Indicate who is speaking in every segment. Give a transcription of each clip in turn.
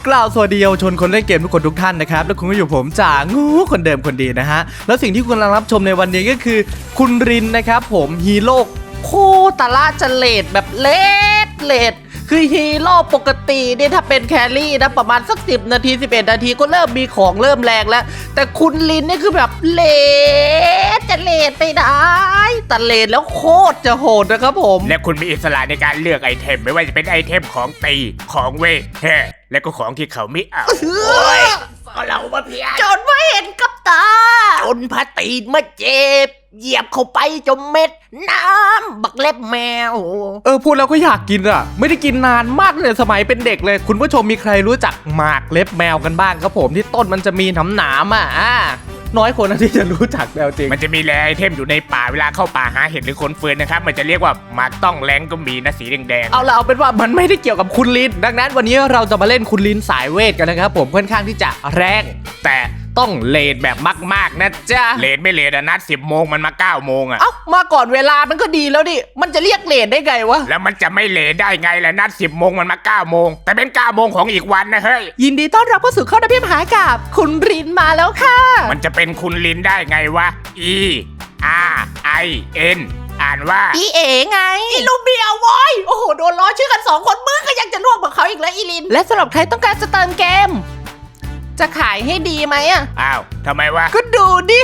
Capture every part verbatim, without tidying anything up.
Speaker 1: กล่าวสวัสดีเยาวชนคนเล่นเกมทุกคนทุกท่านนะครับและคุณก็อยู่ผมจ่างูคนเดิมคนดีนะฮะแล้วสิ่งที่คุณกำลังรับชมในวันนี้ก็คือคุณรินนะครับผมฮีโร่โคตรละจะเลดแบบเลดเลดคือฮีโร่ปกติเนี่ยถ้าเป็นแครี่นะประมาณสักสิบนาทีสิบเอ็ดนาทีก็เริ่มมีของเริ่มแรงแล้วแต่คุณลินนี่คือแบบเลดจะเลดไปได้แต่เลดแล้วโคตรจะโหดนะครับผม
Speaker 2: และคุณมีอิสระในการเลือกไอเทมไม่ว่าจะเป็นไอเทมของตีของเวทแฮ่และก็ของที่เขาไม่เอาโอ้ยก็เรามาเพีย
Speaker 3: จนไม่เห็นกับตาจนพาตีนมาเจ็บเหยียบเข้าไปจมเม็ดน้ำบักเล็บแมว
Speaker 1: เออพูดแล้วก็อยากกินอ่ะไม่ได้กินนานมากเลยสมัยเป็นเด็กเลยคุณผู้ชมมีใครรู้จักหมากเล็บแมวกันบ้างครับผมที่ต้นมันจะมีหนามหนามอ่ะน้อยคนนะที่จะรู้จักแมวจริง
Speaker 2: มันจะมีแร่ไอเทมอยู่ในป่าเวลาเข้าป่าหาเห็ดหรือขนฟืนนะครับมันจะเรียกว่าหมากต้องแรงก็มีนะสีแดง
Speaker 1: ๆเอาละเอาเป็นว่ามันไม่ได้เกี่ยวกับคุณลินดังนั้นวันนี้เราจะมาเล่นคุณลินสายเวทกันนะครับผมค่อนข้างที่จะแรงแต่ต้องเลดแบบมากๆนะจ๊ะ
Speaker 2: เลดไม่เลดอะนัดสิบโมงมันมาเก้าโมงอะ
Speaker 1: เอ้ามาก่อนเวลามันก็ดีแล้วดิมันจะเรียกเลดได้ไงวะ
Speaker 2: แล้วมันจะไม่เลดได้ไงล่ะนัดสิบโมงมันมาเก้าโมงแต่เป็นเก้าโมงของอีกวันนะเฮ้ย
Speaker 1: ยินดีต้อนรับเข้าสู่ข้อดับเบิลมหากาพย์คุณรินมาแล้วค่ะ
Speaker 2: มันจะเป็นคุณลินได้ไงวะ E R I N อ่านว่า
Speaker 3: อีเอ๋ไงอีลูเบียววอยโอ้โหโดนล้อชื่อกันสองคนมึงก็ยังจะร่วมกับเขาอีกแล้วอีลิน
Speaker 1: และสำหรับใครต้องการจะเติมเกมจะขายให้ดีไหมอ่ะ
Speaker 2: อ้าวทำไมวะ
Speaker 1: ก็ดูดิ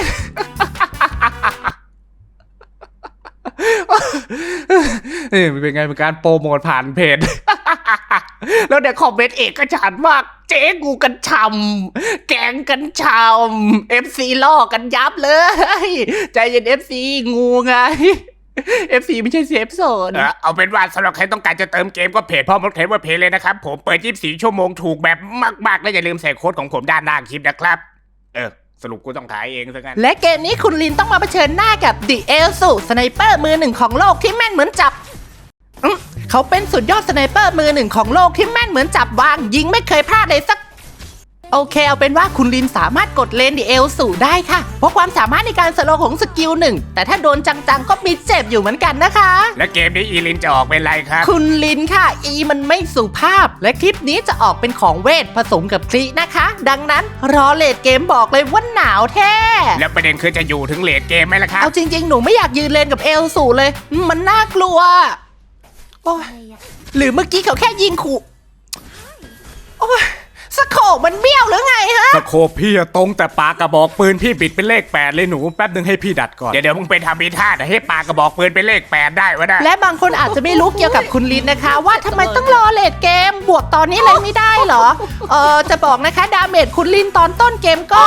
Speaker 1: นี่มันเป็นไงเป็นการโปรโมทผ่านเพจแล้วเดี๋ยวคอมเมนต์เอกก็ฉานมากเจ๊กูกันชำแกงกันชำเอฟซีล่อกันยับเลยใจเย็นเอฟซีงูไงเอฟซีไม่ใช่เซฟโซน
Speaker 2: เอาเป็นว่าสำหรับใครต้องการจะเติมเกมก็เพจพ่อมดเคลเวอร์เพจเลยนะครับผมเปิดยี่สิบสี่ชั่วโมงถูกแบบมากๆและอย่าลืมใส่โค้ดของผมด้านล่างคลิปนะครับเออสรุปกูต้องขายเองซะงั้น
Speaker 1: และเกมนี้คุณลินต้องมาเผชิญหน้ากับดิเอลซูสไนเปอร์มือหนึ่งของโลกที่แม่นเหมือนจับเขาเป็นสุดยอดสไนเปอร์มือหนึ่งของโลกที่แม่นเหมือนจับวางยิงไม่เคยพลาดเลยสักโอเคเอาเป็นว่าคุณลินสามารถกดเลนดิเอลสู่ได้ค่ะเพราะความสามารถในการสโลว์ของสกิลหนึ่งแต่ถ้าโดนจังๆก็มีเจ็บอยู่เหมือนกันนะคะ
Speaker 2: และเกมนี้อีลินจะออกเป็นไรครับ
Speaker 1: คุณลินค่ะอีมันไม่สุภาพและคลิปนี้จะออกเป็นของเวทผสมกับคลินะคะดังนั้นรอเลดเกมบอกเลยว่าหนาวแท้
Speaker 2: แล้วประเด็นคือจะอยู่ถึงเลดเกมไหมล่ะครับ
Speaker 1: เอาจริงๆหนูไม่อยากยืนเลนกับเอลสู่เลยมันน่ากลัวโอ้ยหรือเมื่อกี้เขาแค่ยิงขู่โอ้ยสโคปมันเบี้ยวหรือไงฮะ
Speaker 2: สโคปพี่ตรงแต่ปากกระบอกปืนพี่บิดเป็นเลขแปดเลยหนูแป๊บนึงให้พี่ดัดก่อนเดี๋ยวเดี๋ยวมึงไปทำอีท่าแต่ให้ปากกระบอกปืนเป็นเลขแปดได้วะนะ
Speaker 1: และบางคนอาจจะไม่รู้เกี่ยวกับคุณลินนะคะว่าทำไมต้องรอเลดเกมบวกตอนนี้เลยไม่ได้เหรอเออจะบอกนะคะดาเมจคุณลินตอนต้นเกมก็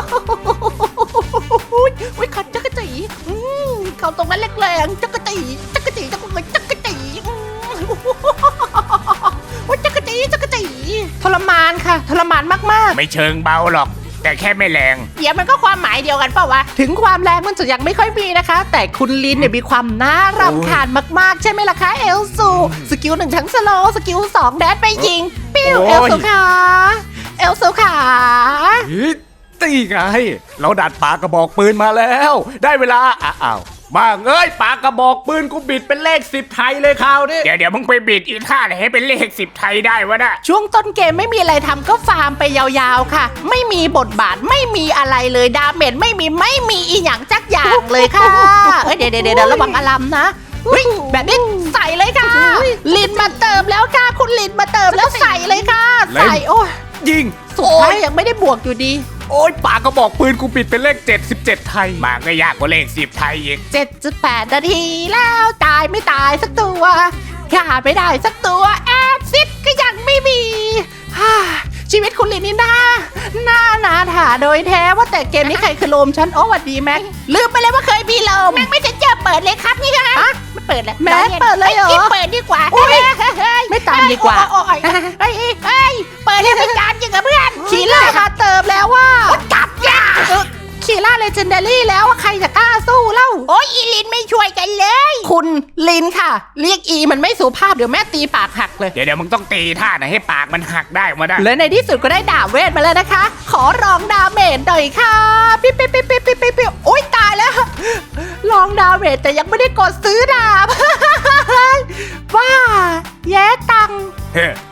Speaker 1: อุ้ยขัดจักรจีเขาตรงนั้นแรงๆจักรจีจักรจีจักรจีจักรจีโอ้ยจักรจีจักรจีทรมานค่ะทรมานมาก
Speaker 2: ๆไม่เชิงเบาหรอกแต่แค่ไม่แรง
Speaker 3: เดี๋ยวมันก็ความหมายเดียวกันเปล่าวะ
Speaker 1: ถึงความแรงมันจะยังไม่ค่อยมีนะคะแต่คุณลินเนี่ยมีความน่ารำคาญมากๆใช่ไหมล่ะคะเอลซูสกิลหนึ่งทั้งสโลสกิลสองแดดไปยิงปิ้วเอลซูขาเอลซูขา
Speaker 2: ตีไงเราดัดปากกระบอกปืนมาแล้วได้เวลาอ้าวบ้าเอ้ยปากกระบอกปืนกูบิดเป็นเลขสิบไทยเลยคราวนี้เดี๋ยวเดี๋ยวมึงไปบิดอีท่าไหนให้เป็นเลขสิบไทยได้วะน่ะ
Speaker 1: ช่วงต้นเกมไม่มีอะไรทำก็ฟาร์มไปยาวๆค่ะไม่มีบทบาทไม่มีอะไรเลยดาเมจไม่มีไม่มีอีหยังจักอย่างเลยค่ะเอ้ยเดี๋ยวเดี๋ยวเดี๋ยวระวังอลัมนะแบบนี้ใส่เลยค่ะลินมาเติมแล้วค่ะคุณลินมาเติมแล้วใส่เลยค่ะใส่โอ้ย
Speaker 2: ยิง
Speaker 1: สุดท้ายยังไม่ได้บวกอยู่ดี
Speaker 2: โอ้ยปากกระบอกปืนกูปิดเป็นเลขเจ็ดสิบเจ็ดไทยมาก็ยากกว่าเลขสิบไทยอีก
Speaker 1: เจ็ดจุดแปด นาทีแล้วตายไม่ตายสักตัวขาดไม่ได้สักตัวแอซิดก็ยังไม่มีชีวิตคุณลินนี่น่าน่านาถาโดยแท้ว่าแต่เกมนี้ใครคือโลมฉันโอ้สวัสดีแม็กลืมไปเลยว่าเคยมีโลม
Speaker 3: แม็กไม่จะเจอเปิดเลยครับนี่ค่ะไม่เปิดแล้ว
Speaker 1: แม็กเปิดเลยเหรอ
Speaker 3: เปิดดีกว่า
Speaker 1: ไม่ตามดีกว่า
Speaker 3: เฮ้ยเฮ้ยเปิดให้เป็นการจริงกับเพื่อน
Speaker 1: คีล่ามาเติมแล้วว่า
Speaker 3: จับยา
Speaker 1: คีล่าเลเจนดารี่แล้วว่าใครจะกล้าสู้เล่า
Speaker 3: โอ้ยอีลินไม่ช่วยกันเลย
Speaker 1: คุณลินค่ะเรียกอีมันไม่สุภาพเดี๋ยวแม่ตีปากหักเลย
Speaker 2: เดี๋ยวเดี๋ยวมึงต้องตีท่าไหนให้ปากมันหักได้มาได้
Speaker 1: และในที่สุดก็ได้ดาบเวทมาแล้วนะคะขอลองดาเมจหน่อยค่ะปิ๊บปิ๊บปิ๊บปิ๊บปิ๊บปิ๊บโอ๊ยตายแล้วลองดาเมจแต่ยังไม่ได้กดซื้อดาบว้าแย่ตัง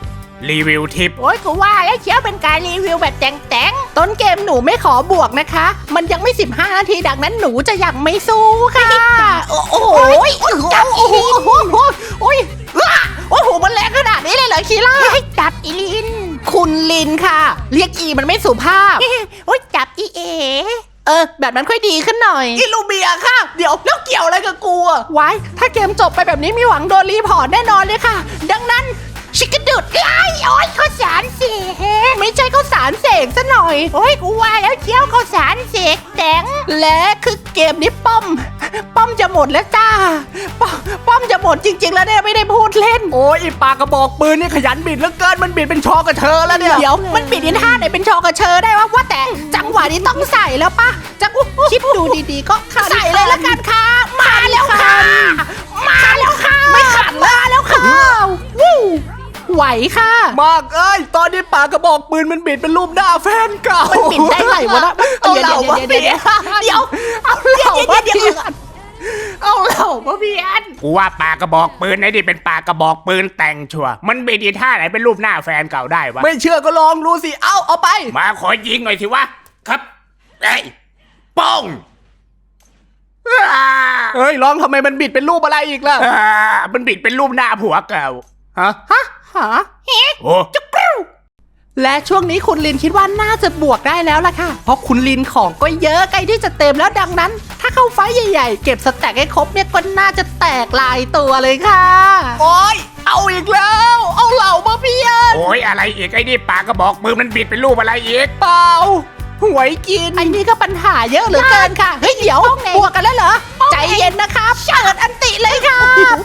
Speaker 2: รีวิวทิป
Speaker 3: โอ้ยกูว่าแล้วเชียวเป็นการรีวิวแบบแต่งแต่งๆต้นเกมหนูไม่ขอบวกนะคะ มันยังไม่สิบห้านาทีดังนั้นหนูจะยังไม่สู้ค่ะโอ้โหจับอีลินโอ้ยโอ้โหมันแรงขนาดนี้เลยเหรอคีล่าจับอีลินคุณลินค่ะ เรียกอีมันไม่สุภาพโอ้ยจับอีเอเออแบบนั้นค่อยดีขึ้นหน่อยอิลูเบียค่ะเดี๋ยวแล้วเกี่ยวอะไรกับกูอะไว้ถ้าเกมจบไปแบบนี้มีหวังโดนรีพอร์ตแน่นอนเลยค่ะ ดังนั้นชิคกดุดไล่โอ้ยข้าวสารเสกไม่ใช่ข้าวสารเสกซะหน่อยโอ้ยกูว่าแล้วเจียวข้าวสารเสกแตงและคือเกมนี้ป้อม ป้อมจะหมดแล้วจ้าป้อมป้อมจะหมดจริง ๆ แล้วเนี่ยไม่ได้พูดเล่น
Speaker 2: โอ้ยไอ้ปากกระบอกปืนนี่ขยันบิดเหลือเกินมันบิดเป็นชอกับเธอแล้วเนี่ย
Speaker 3: เดี๋ยวมันปิดอินท่าไหนเป็นชอกระเชอได้วะว่าแต่จังหวะนี้ต้องใส่แล้วปะจะคิดดูดีๆก็ใส่เลยละกันค่ะมาแล้วค่ะ มาแล้วค่ะไม่ขัดมาแล้วค่ะวู้ไหวค่ะ
Speaker 2: มากเอ้ยตอนนี้ปากกระบอกปืนมันบิดเป็นรูปหน้าแฟนเก่า
Speaker 3: มันปิดได้ไงวะนะ
Speaker 2: เอาเหล่ามา
Speaker 3: เดี๋ยว
Speaker 2: เปลี่ยน
Speaker 3: เดี๋ยวเอาเหล่ามาเปลี่ยนเอาเหล่ามาเปลี่ยน
Speaker 2: กูว่าปากกระบอกปืนไอ้นี่เป็นปากกระบอกปืนแต่งชัวร์มันบิดอีท่าไหนเป็นรูปหน้าแฟนเก่าได้วะ
Speaker 1: ไม่เชื่อก็ลองดูสิ เอาเอาไป
Speaker 2: มาขอยิงหน่อยสิวะครับไอ้ยป้องอ่า
Speaker 1: เฮ้ยลองทำไมมันบิดเป็นรูปอะไรอีกล่ะ
Speaker 2: อ่ามันบิดเป็นรูปหน้าผัวเก่า
Speaker 1: ฮะ
Speaker 3: ฮะหา
Speaker 2: โอ้
Speaker 3: และช่วงนี้คุณลินคิดว่าน่าจะบวกได้แล้วล่ะค่ะ เพราะคุณลินของก็เยอะใกล้ที่จะเต็มแล้วดังนั้น ถ้าเข้าไฟท์ใหญ่ๆ เก็บสแต็กให้ครบเนี่ยก็น่าจะแตกลายตัวเลยค่ะ
Speaker 1: โอ้ยเอาอีกแล้ว เอาเหล่ามาเพียน
Speaker 2: โอ้ยอะไรอีกไอ้นี่ปากกระบอกปืนมันบิดเป็นรูปอะไรอีก
Speaker 1: เปล่าหวยกิน
Speaker 3: ไอ้นี่ก็ปัญหาเยอะเหลือเกินค่ะ เฮ้ยเดี๋ยวบวกกันแล้วเหรอ ใจเย็นนะครับเปิดอันติเลยค่ะ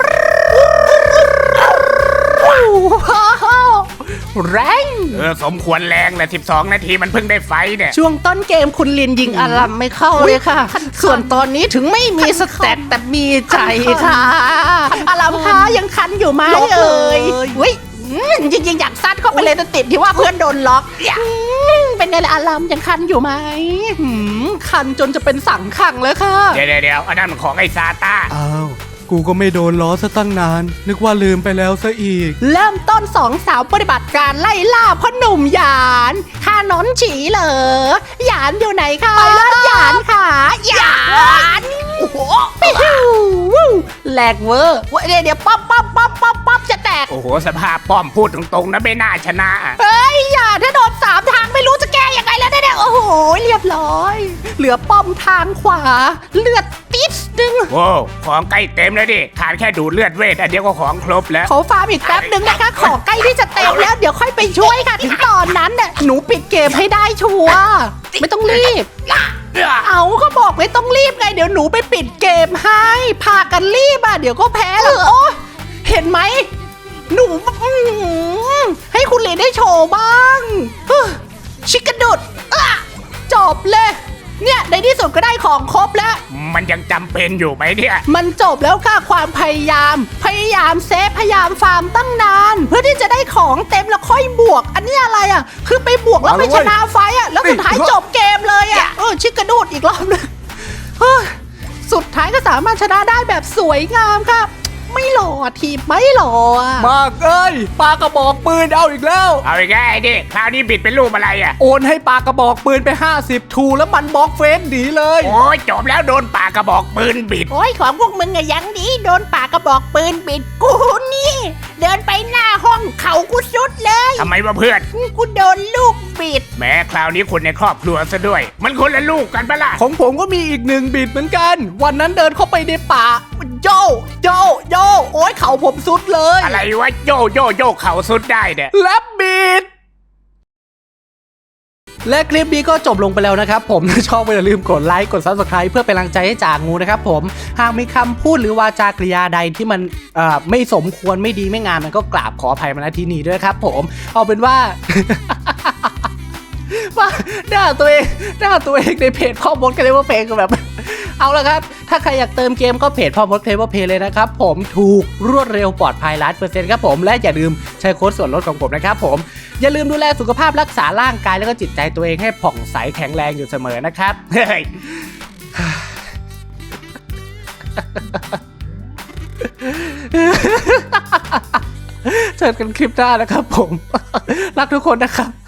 Speaker 3: แรง
Speaker 2: เออสมควรแรงแหละสิบสองนาทีมันเพิ่งได้ไฟเนี่ย
Speaker 3: ช่วงต้นเกมคุณลินยิงอารัมไม่เข้าเลยค่ะ ส่วนตอนนี้ถึงไม่มีสแต็กแต่มีใจค่ะอารัมคะยังคันอยู่ไหมเอ่ยอุ้ยจริงๆอยากซัดเข้าไปเลยแต่ติดที่ว่าเพื่อนโดนล็อกอืมเป็นไงล่ะอารัมยังคันอยู่ไหมหืมคันจนจะเป็นสังขังแล้วค่ะ
Speaker 2: เดี๋ยวเดี๋ยวเดี๋ยวอันนั้นมันของไอ้ซาต้า
Speaker 1: อ้าว กูก็ไม่โดนล้อซะตั้งนาน นึกว่าลืมไปแล้วซะอีก
Speaker 3: เริ่มต้นสองสาวปฏิบัติการไล่ล่าพ่อหนุ่มหยานข้านอนฉีเหรอหยานอยู่ไหนคะไปแล้วหยานค่ะหยานโอ้โหแหลกเวอร์เดี๋ยวเดี๋ยวป๊อปป๊อปป๊อปป๊อปป๊อปจะแตก
Speaker 2: โอ้โหสภาพป้อมพูดตรงๆนะไม่น่าชนะอะ
Speaker 3: เฮ้ยอย่าถ้าโดนสามทางไม่รู้จะแก้ยังไงแล้วเนี่ยโอ้โหเรียบร้อย เหลือป้อมทางขวา เลือดติดนึง
Speaker 2: โว้ของใกล้เต็มแล้วดิขาดแค่ดูดเลือดเวทอันเดียวก็ของครบแล้ว
Speaker 3: ขอฟาร์มอีกแป๊บหนึ่งนะคะ ขอใกล้ที่จะเต็มแล้วเดี๋ยวค่อยไปช่วยค่ะ ถึงตอนนั้นเนี่ยหนูปิดเกมให้ได้ชัวร์ไม่ต้องรีบ เอาก็บอกไม่ต้องรีบไง เดี๋ยวหนูไปปิดเกมให้พากันรีบอ่ะเดี๋ยวก็แพ้หรอกโอ้เห็นไหมหนูอื้อหือให้คุณเลนได้โชว์บ้างฮึ่มชิคกดุดอ่ะจบเลย เนี่ยในที่สุดก็ได้ของครบแล้ว
Speaker 2: มันยังจำเป็นอยู่ไหมเนี่ย
Speaker 3: มันจบแล้วค่ะความพยายาม พยายามเซฟพยายามฟาร์มตั้งนาน เพื่อที่จะได้ของเต็มแล้วค่อยบวก อันนี้อะไรอ่ะ คือไปบวกแล้วไปชนะไฟต์อ่ะแล้วสุดท้ายจบเกมเลยอ่ะเออชิคกระดูดอีกรอบหนึงเฮ้ยสุดท้ายก็สามารถชนะได้แบบสวยงามครับ ไม่หล่อทีมไม่หล่ออ่ะ
Speaker 1: มากเอ้ยปากกระบอกปืนเอาอีกแล้ว
Speaker 2: เอาอีกแล้วไอ้ดิคราวนี้บิดเป็นรูปอะไรอ่ะ
Speaker 1: โอนให้ปากกระบอกปืนไป ห้าสิบ ทูแล้วมันบล็อกเฟซหนีเลย
Speaker 2: โอ้ยจบแล้วโดนปากกระบอกปืนบิด
Speaker 3: โอ้ยของพวกมึงอะยังดีโดนปากกระบอกปืนบิดกูนี่ เดินไปหน้าห้องเขากูสุดเลย
Speaker 2: ทำไมวะเพื่อน
Speaker 3: กูโดนลูกบิด
Speaker 2: แม้คราวนี้คนในครอบครัวซะด้วย มันคนละลูกกันปะล่ะ
Speaker 1: ของผมก็มีอีกหนึ่งบิดเหมือนกัน วันนั้นเดินเข้าไปในป่าโยโยโยโอ้ยเขาผมสุดเลย
Speaker 2: อะไรวะโยโยโยเข่าสุดได้เนี่ย
Speaker 1: แลบบิด และคลิปนี้ก็จบลงไปแล้วนะครับผม ถ้าชอบก็อย่าลืมกดไลค์กด ซับสไครบ์ เพื่อเป็นกำลังใจให้จ่างูนะครับผมหากมีคำพูดหรือวาจากริยาใดที่มันเอ่อไม่สมควรไม่ดีไม่งามมันก็กราบขออภัยมาณที่นี้ด้วยครับผมเอาเป็นว่า ว่าด่าตัวเองด่าตัวเองในเพจพ่อมดกันเลยว่าเพลงก็แบบ เอาละครับ ถ้าใครอยากเติมเกมก็เพจพ่อมดเพลว่าเพลเลยนะครับผมถูกรวดเร็วปลอดภัยล้านเปอร์เซ็นต์ครับผมและอย่าลืมใช้โค้ดส่วนลดของผมนะครับผมอย่าลืมดูแลสุขภาพรักษาร่างกายแล้วก็จิตใจตัวเองให้ผ่องใสแข็งแรงอยู่เสมอนะครับ
Speaker 2: เฮ้ย
Speaker 1: เจอกันคลิปหน้านะครับผม รักทุกคนนะครับ